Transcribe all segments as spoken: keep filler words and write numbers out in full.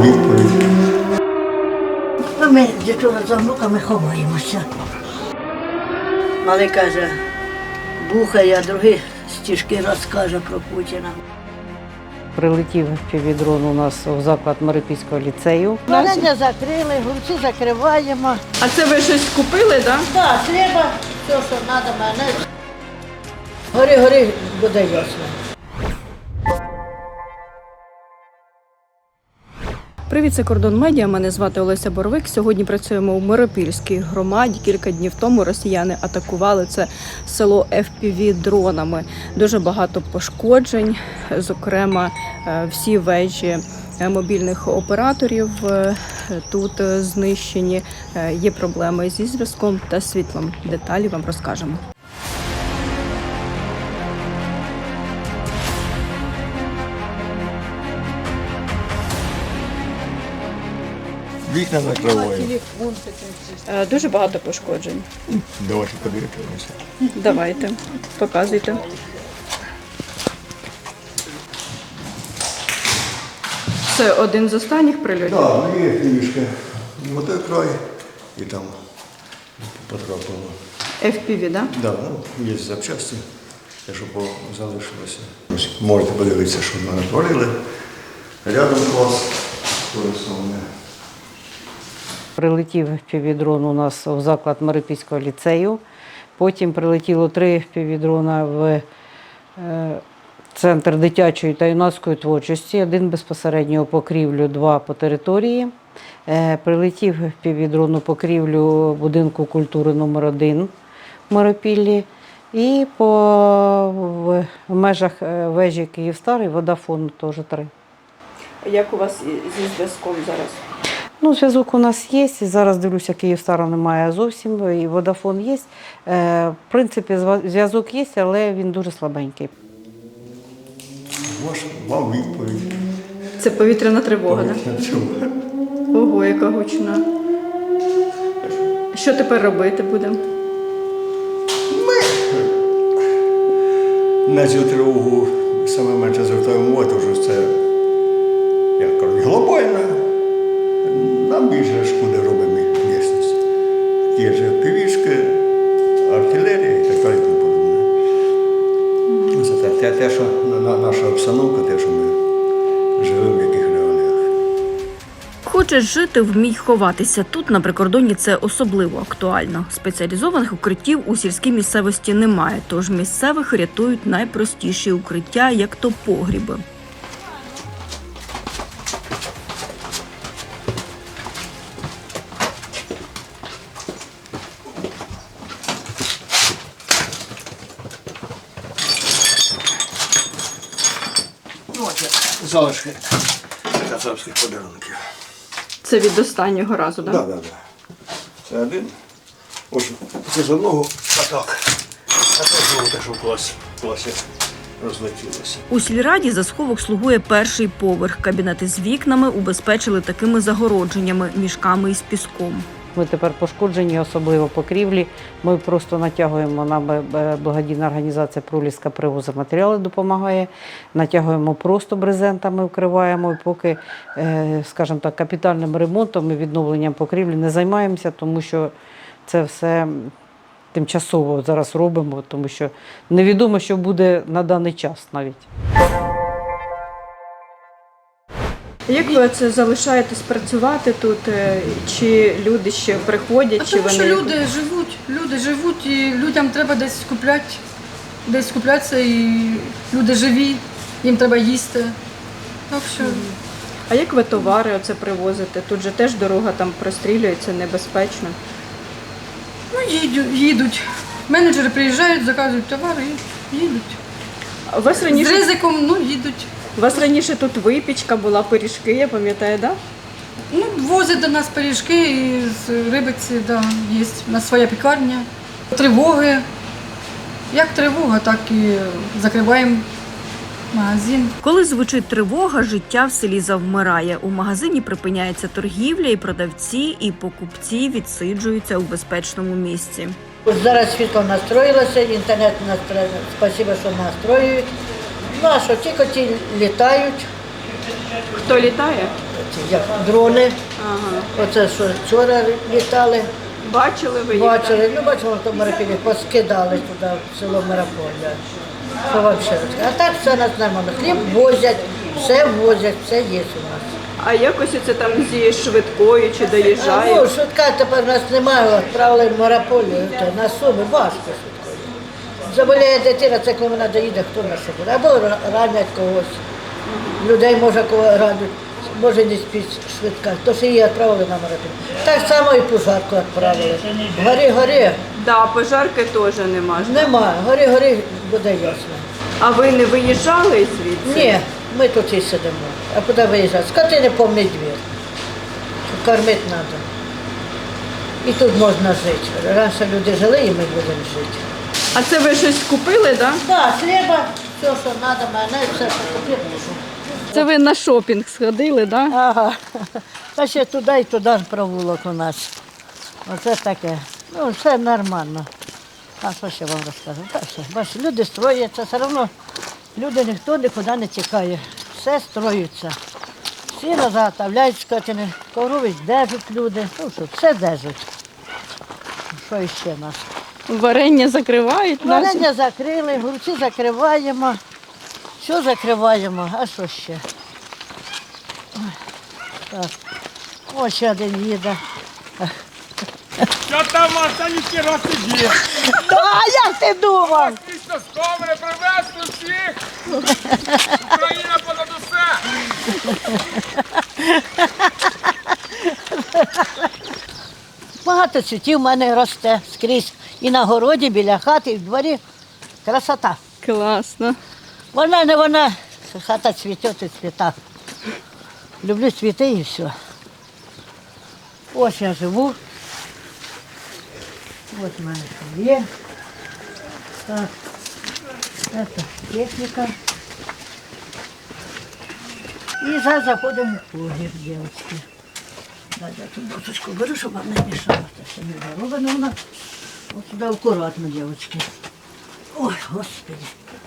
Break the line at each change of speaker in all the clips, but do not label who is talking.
відповідь.
Ну, ми дівчина за внуками ховаємося. Малий каже, бухає, а другий стишки розкаже про Путіна.
Прилетів півдрон у нас у заклад Марипільського ліцею.
Варення закрили, голубці закриваємо.
А це ви щось купили, так?
Так, треба, все, що треба, мене. Гори, гори, буде ясно.
Привіт, це Кордон Медіа. Мене звати Олеся Боровик. Сьогодні працюємо у Миропільській громаді. Кілька днів тому росіяни атакували це село еф пі ві-дронами. Дуже багато пошкоджень, зокрема, всі вежі мобільних операторів тут знищені. Є проблеми зі зв'язком та світлом. Деталі вам розкажемо.
Вікна накриваємо.
Дуже багато пошкоджень.
Давайте подивимося.
Давайте, показуйте. Це один з останніх прильотів?
Так, ну є фішка. Ось той край і там потрапило.
еф пі ві, так?
Так, ну, є запчасті, те, що залишилося. Ось можете подивитися, що ми натворили. Рядом клас.
Прилетів півдрон у нас у заклад Марипільського ліцею. Потім прилетіло три півдрона в е, центр дитячої та юнацької творчості. Один безпосередньо у покрівлю, два по території. Е, прилетів півдрон у покрівлю будинку культури номер один в Миропіллі. І по в, в межах вежі Київстар і Водафон теж три.
Як у вас зі зв'язком зараз?
Ну, зв'язок у нас є. Зараз, дивлюся, Київстара немає зовсім, і Водафон є. Е, в принципі, зв'язок є, але він дуже слабенький.
Ваш вам відповідь.
Це повітряна тривога, так?
Повітряна тривога.
Ого, яка гучна. Що тепер робити будемо?
На цю тривогу саме менше звертаємо увагу, тому що це, як кажуть, глобальна. Нам більше шкоди робимо місяць. Ті ж півішки, артилерія і так далі. Це те, те, те, що наша обстановка, те, що ми живемо в яких реаліях.
Хочеш жити, вмій ховатися. Тут на прикордонні це особливо актуально. Спеціалізованих укриттів у сільській місцевості немає, тож місцевих рятують найпростіші укриття, як то погріби.
Залишки кацапських подарунків.
Це від останнього разу, так?
Так, так, так. Це один. Ось це з одного, а так. А це знову те, що в класі, в класі розлетілося.
У сільраді за сховок слугує перший поверх. Кабінети з вікнами убезпечили такими загородженнями, мішками із піском.
Ми тепер пошкоджені, особливо покрівлі. Ми просто натягуємо, нам благодійна організація «Проліска» привозить матеріали, допомагає. Натягуємо просто брезентами, вкриваємо. І поки, скажімо так, капітальним ремонтом і відновленням покрівлі не займаємося, тому що це все тимчасово зараз робимо, тому що невідомо, що буде на даний час навіть.
Як ви це залишаєтесь працювати тут? Чи люди ще приходять?
А
чи
тому що
вони...
люди живуть, люди живуть, і людям треба десь купляти, десь куплятися, і люди живі, їм треба їсти. Так що...
А як ви товари оце привозите? Тут же теж дорога там прострілюється, небезпечно.
Ну, їдуть, їдуть. Менеджери приїжджають, заказують товари і їдуть.
А у вас
З
раніше,
ризиком, ну, їдуть.
у вас раніше тут випічка була, пиріжки, я пам'ятаю, так? Да?
Ну, возять до нас пиріжки і з Рибиці, да, є. У нас своя пекарня. Тривоги. Як тривога, так і закриваємо магазин.
Коли звучить тривога, життя в селі завмирає. У магазині припиняється торгівля, і продавці, і покупці відсиджуються у безпечному місці.
Ось зараз світло настроїлося, інтернет настроїлося. Спасибо, що настроюють. Ну, а що, ті коті літають,
Хто літає?
Ці, як дрони.
Ага.
Оце що вчора літали,
Бачили ви їх?
бачили, ну бачимо, то Миропілі поскидали туди, в село Мирополя. Що вам ще розказати? А так все у нас нормально. Хліб возять, все возять, все є у нас.
А якось це там зі швидкою чи
А,
доїжджає?
ну, швидка тепер у нас немає, відправили в Мирополі, то на Суми, важко швидкою. Заболіє дитина, це коли вона доїде, хто на що буде. Або ранять когось. Людей може кого радять, може не спіть швидка. То що її відправили на Мирополі. Так само і пожарку відправили. Горі, горі,
Да, пожарки теж нема. ж.
немає, горі, горі, буде ясно.
А ви не виїжджали звідси?
Ні, ми тут і сидимо. А куди виїжджати? Скотини повний двір. Кормити треба. І тут можна жити. Раніше люди жили, і ми будемо жити.
А це ви щось купили, так? Да?
Так, хліба, все, що треба, мене, все, що купити.
Це ви на шопінг сходили, так? Да?
Ага. Та ще туди і туди ж провулок у нас. Оце таке. Ну, все нормально. А що ще вам розкажу? Та все, бачите, люди строяться, все одно люди ніхто нікуди не тікає. Все строються. Всі заготовляють скотини, коровись держать люди. Ну що, все держать. Що іще нас?
Варення закривають нас.
Варення закрили, груці закриваємо. Що закриваємо, а що ще? Ой, так. Ось ще один їде.
Що там, Марта, ніхіра собі?
А як ти думав?
Після сковри привезли всіх! Україна понад усе!
Багато цвітів в мене росте скрізь. І на городі, біля хати, і в дворі. Красота.
Класно.
Вона не вона, хата цвіте і цвіта. Люблю цвіти і все. Ось я живу. Ось в мене що є. Так. Це техніка. І зараз заходимо в погріб, дівчатки. Зараз я тут досочку беру, щоб вам не мішало. Це все не зароблено вона. Ось сюди акуратно, дівчатки. Ой, Господи.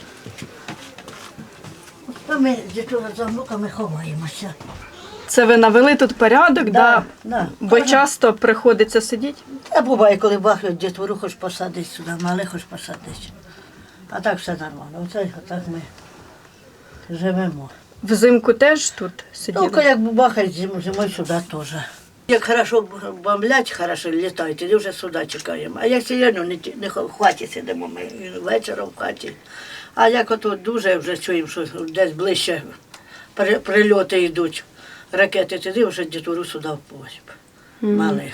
Ось там ми з дітьми за внуками ховаємося.
Це ви навели тут порядок, да?
Да, да.
Бо часто приходиться сидіти?
А буває, коли бахають дітвору, хоч посадить сюди, мале хоч посадить. А так все нормально. Оце так ми живемо.
Взимку теж тут сиділи?
Ну, як бахають зимою, зимою сюди теж. Як хорошо бомблять, хорошо літають, тоді вже сюди чекаємо. А як сьогодні не, ті- не в хаті сидимо, ми вечором в хаті. А як ото дуже вже чуємо, що десь ближче при- прильоти йдуть, ракети, тоді вже дітвору сюди в погріб. Малих.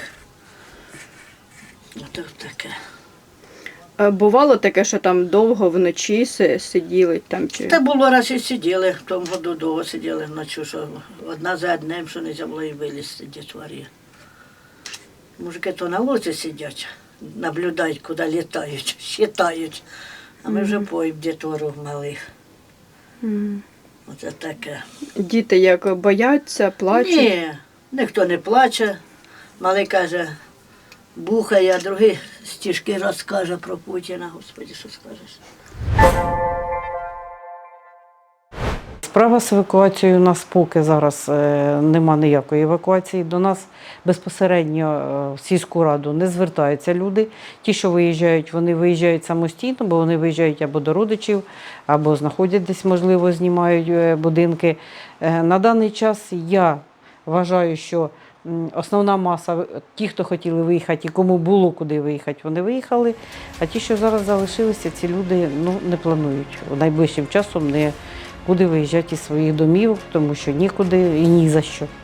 Ото таке.
А бувало таке, що там довго вночі си- сиділи там чи.
Та було раз і сиділи, в тому году довго сиділи вночі, що одна за одним, що не можна було і вилізти дітворі. Мужики то на лозі сидять, наблюдають, куди літають, считають. А ми вже поїм дітвору малих.
Мгм.
Оце таке.
Діти як бояться, плачуть?
Ні, ніхто не плаче. Малий каже, бухає, а другий стишки розкаже про Путіна. Господи, що скажеш?
Справа з евакуацією у нас поки зараз е, нема ніякої евакуації. До нас безпосередньо е, в сільську раду не звертаються люди. Ті, що виїжджають, вони виїжджають самостійно, бо вони виїжджають або до родичів, або знаходять десь, можливо, знімають е, будинки. Е, на даний час я вважаю, що м, основна маса, ті, хто хотіли виїхати і кому було куди виїхати, вони виїхали. А ті, що зараз залишилися, ці люди ну, не планують найближчим часом не куди виїжджати із своїх домів, тому що нікуди і ні за що.